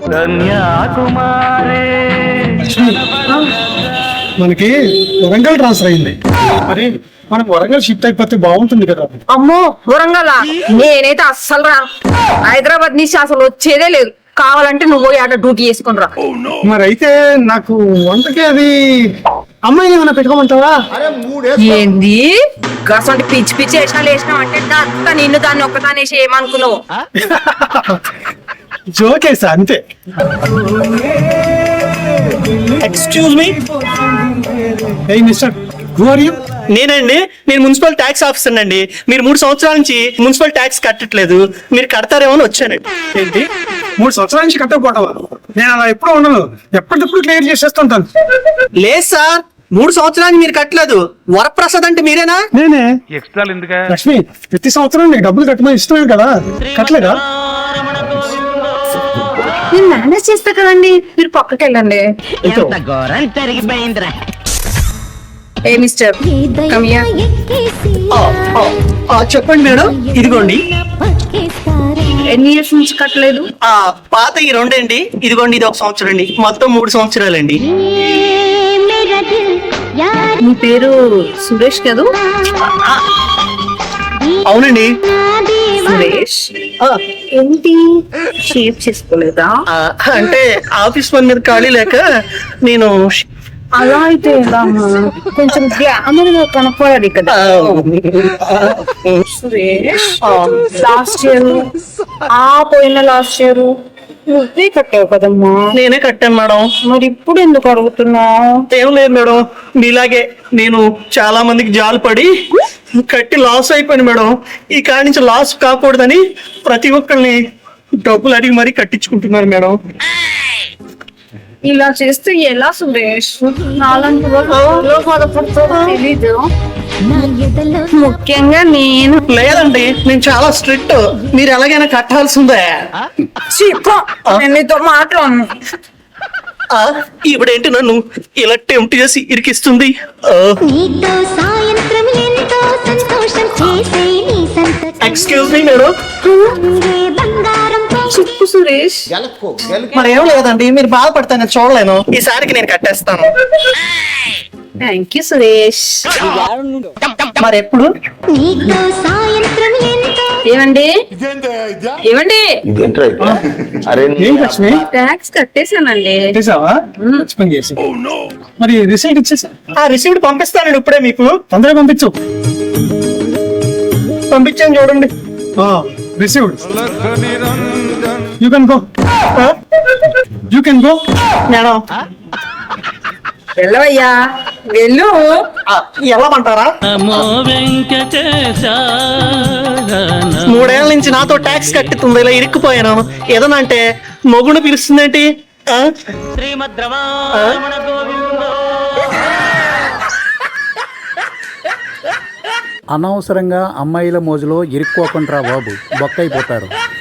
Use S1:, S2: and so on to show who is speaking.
S1: మనకి వరంగల్ ట్రాన్స్ఫర్ అయింది, మరి మనం వరంగల్ షిఫ్ట్ అయిపోతే బాగుంటుంది కదా.
S2: అమ్మో వరంగల్ నేనైతే అస్సలు రా, హైదరాబాద్ నుంచి అసలు వచ్చేదే లేదు. కావాలంటే నువ్వు పోయి ఆట డ్యూటీ చేసుకుని రా.
S1: మరి అయితే నాకు వంటకి అది అమ్మాయిని ఏమైనా పెట్టుకోమంటావా?
S2: ఏంది గసంటి పిచ్చి పిచ్చి వేసినాలు వేసినావు అంటే అంతా నిన్ను దాన్ని ఒక్కదాన్ని వేసి ఏమనుకున్నావు?
S1: జోకేసా అంతే.
S3: Excuse me,
S1: a mister, who are you?
S3: నేను మున్సిపల్ ట్యాక్స్ ఆఫీసర్ అండి. మీరు 3 సంవత్సరాల నుంచి మున్సిపల్ ట్యాక్స్ కట్టట్లేదు, మీరు కడతారేమో అని వచ్చానండి.
S1: ఏంటి 3 సంవత్సరాల నుంచి కట్టకపోవటమా? నేను అలా ఎప్పుడు ఉండను, ఎప్పటికప్పుడు క్లియర్ చేసేస్తుంటాను.
S3: లేదు సార్, 3 సంవత్సరాలు మీరు కట్టలేదు. వరప్రసాద్ అంటే మీరేనా?
S1: నేనే. లక్ష్మి, ప్రతి సంవత్సరం నీకు డబ్బులు కట్టమని ఇష్టమే కదా, కట్టలేదా?
S2: నేను మేనేజ్ చేస్తా కదండి, మీరు పక్కకి వెళ్ళండి. A mister, come here.
S3: చెప్పండి మేడం. ఇదిగోండి.
S2: ఎన్ని ఇయర్స్ నుంచి కట్టలేదు?
S3: పాత ఈ 2 అండి, ఇదిగోండి ఇది 1 సంవత్సరం అండి, మొత్తం 3 సంవత్సరాలండి.
S2: మీ పేరు సురేష్ కదూ?
S3: అవునండి.
S2: సురేష్ ఏంటి షేప్ చేసుకోలేదా?
S3: అంటే ఆఫీస్ పని మీద ఖాళీ లేక నేను.
S2: అలా అయితే ఎలా అమ్మా? కొంచెం గ్లామర్ గా కనపడాలి కదా. సురేష్ లాస్ట్ ఇయర్ పోయిన లాస్ట్ ఇయర్ నువ్వే కట్టావు కదమ్మా.
S3: నేనే కట్టాను మేడం.
S2: మరి ఇప్పుడు ఎందుకు అడుగుతున్నావు?
S3: ఏం లేదు మేడం, మీలాగే నేను చాలా మందికి జాలు పడి కట్టి లాస్ అయిపోయాను మేడం. ఈ కాడి నుంచి లాస్ కాకూడదని ప్రతి ఒక్కరిని డబ్బులు అడిగి మరీ కట్టించుకుంటున్నాను మేడం.
S2: ఇలా చేస్తే ఎలా సురేష్? నాలాంటి వాళ్ళు బాధపడుతుందో తెలీదు. ముఖ్యంగా నేను.
S3: లేదండి, నేను చాలా స్ట్రిక్ట్, మీరు ఎలాగైనా కట్టాల్సిందే.
S2: నేను నీతో మాట్లాడను.
S3: ఇప్పుడేంటి నన్ను ఇలా టెంప్ట్ చేసి ఇరికిస్తుంది? Excuse me madam.
S2: చెప్పు సురేష్.
S3: మరేం లేదండి, మీరు బాధపడతాను చూడలేను. ఈసారికి నేను కట్టేస్తాను.
S2: Thank you Suresh.
S3: మరి ఎప్పుడు?
S2: ఏమండి ఏమండి,
S1: ఏం లక్ష్మి,
S2: ట్యాక్స్ కట్టేశానండి.
S1: చేసావా? మంచి పని చేసి. మరి రిసీట్ ఇచ్చేసా.
S3: రిసీవ్డ్ పంపిస్తానండి ఇప్పుడే, మీకు
S1: తొందరగా పంపించు.
S3: పంపించాను చూడండి.
S1: Received. You can go. You can go
S3: madam.
S2: వెళ్ళవయ్యా వెళ్ళు.
S3: వెళ్ళమంటారా? 3 ఏళ్ల నుంచి నాతో ట్యాక్స్ కట్టుతుంది, ఇలా ఇరుక్కుపోయాను. ఏదన్నా అంటే మొగుడు పిలుస్తుందేంటి?
S4: అనవసరంగా అమ్మాయిల మోజులో ఇరుక్కోకుండా బాబు, బొక్కైపోతారు.